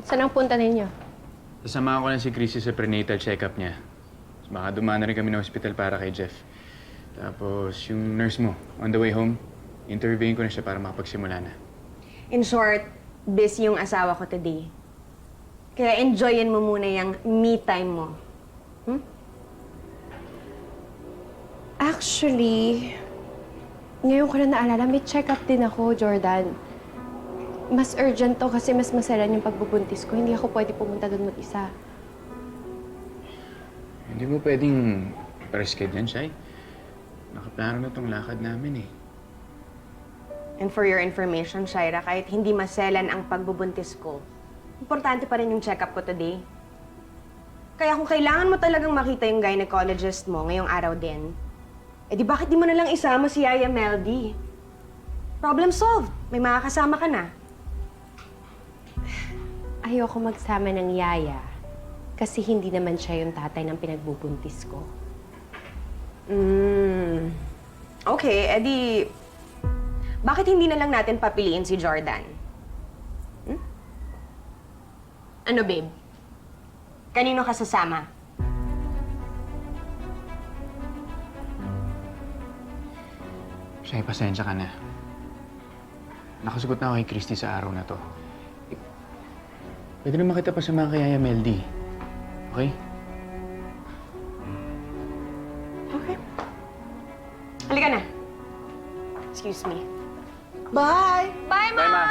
Saan ang punta ninyo? Sasamahan ko lang si Chrissy sa prenatal check-up niya. Baka dumaan na rin kami ng hospital para kay Jeff. Tapos, yung nurse mo, on the way home, interviewin ko na siya para makapagsimula na. In short, busy yung asawa ko today. Kaya enjoyin mo muna yung me time mo. Actually, ngayon ko na naalala, may check-up din ako, Jordan. Mas urgent to kasi mas maselan yung pagbubuntis ko. Hindi ako pwede pumunta doon mag-isa. Hindi mo pwedeng pa-reschedule yan, Shai. Nakaplano na tong lakad namin eh. And for your information, Shaira, kahit hindi maselan ang pagbubuntis ko, importante pa rin yung check-up ko today. Kaya kung kailangan mo talagang makita yung gynecologist mo ngayong araw din, eh di bakit di mo na lang isama si Yaya Meldy? Problem solved. May makakasama ka na. Ayoko magsama ng yaya kasi hindi naman siya yung tatay ng pinagbubuntis ko. Okay, edi... Bakit hindi na lang natin papiliin si Jordan? Ano, babe? Kanino ka sasama? Shai, pasensya ka na. Nakasugot na ako kay Christy sa araw na to. Pwede naman kita pasama kay Yaya Meldy. Okay? Okay. Halika na. Excuse me. Bye! Bye, Ma! Bye, Ma.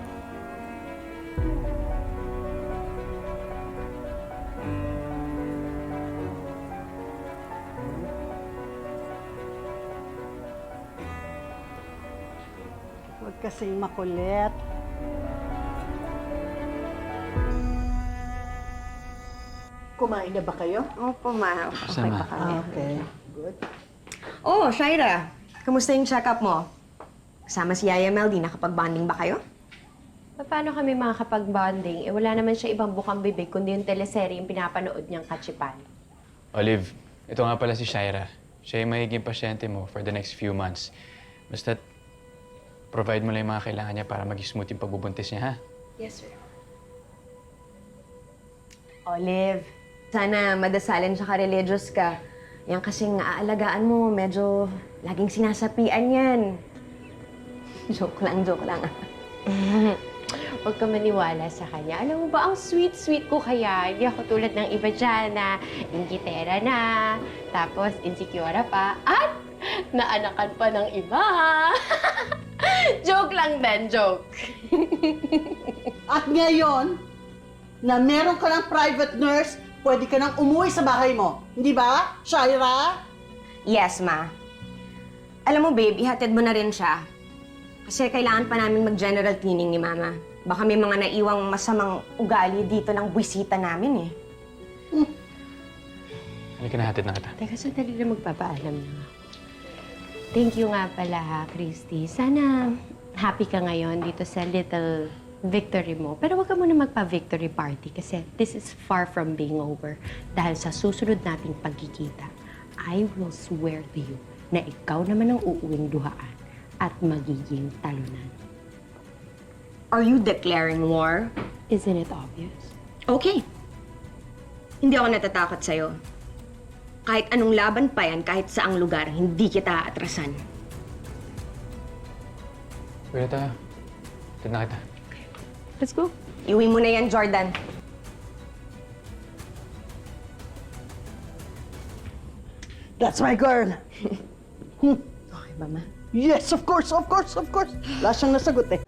Huwag kasing makulit. Kumain na ba kayo? Opo, Ma. Sama. pa kami. Okay, good. Oh, Shaira. Kamusta yung check-up mo? Kasama si Yaya Meldy. Nakapag-bonding ba kayo? Paano kami makakapag-bonding? Eh, wala naman siya ibang bukang bibig kundi yung teleserye yung pinapanood niyang kachipan. Olive, ito nga pala si Shaira. Siya yung magiging pasyente mo for the next few months. Basta, provide mo lang yung mga kailangan niya para maging smooth yung pagbubuntis niya, ha? Yes, sir. Olive, sana madasalin siya ka-religious ka. Yan kasing aalagaan mo, medyo laging sinasapian yan. Joke lang, joke lang. Huwag ka maniwala sa kanya. Alam mo ba, ang sweet-sweet ko kaya. Hindi ako tulad ng iba dyan na ingitera na, tapos insecure pa, at naanakan pa ng iba. Joke lang din, joke. At ngayon, na meron ka ng private nurse, pwede ka nang umuwi sa bahay mo. Hindi ba, Shaira? Yes, Ma. Alam mo, babe, ihatid mo na rin siya. Kasi kailangan pa namin mag-general cleaning ni Mama. Baka may mga naiwang masamang ugali dito ng buwisita namin eh. Halika na, hatid na kita. Teka, sandali na magpapaalam na ako. Thank you nga pala, ha, Christy. Sana happy ka ngayon dito sa little victory mo. Pero huwag ka muna magpa-victory party kasi this is far from being over. Dahil sa susunod nating pagkikita, I will swear to you na ikaw naman ang uuwing duhaan at magiging talunan. Are you declaring war? Isn't it obvious? Okay. Hindi ako natatakot sa'yo. Kahit anong laban pa yan, kahit saang lugar, hindi kita aatrasan. Pwede tayo. Hatid na kita. Let's go. Iuwi mo na yan, Jordan. That's my girl. Okay ba, Ma? Yes, of course, of course, of course. Wala siyang nasagot eh.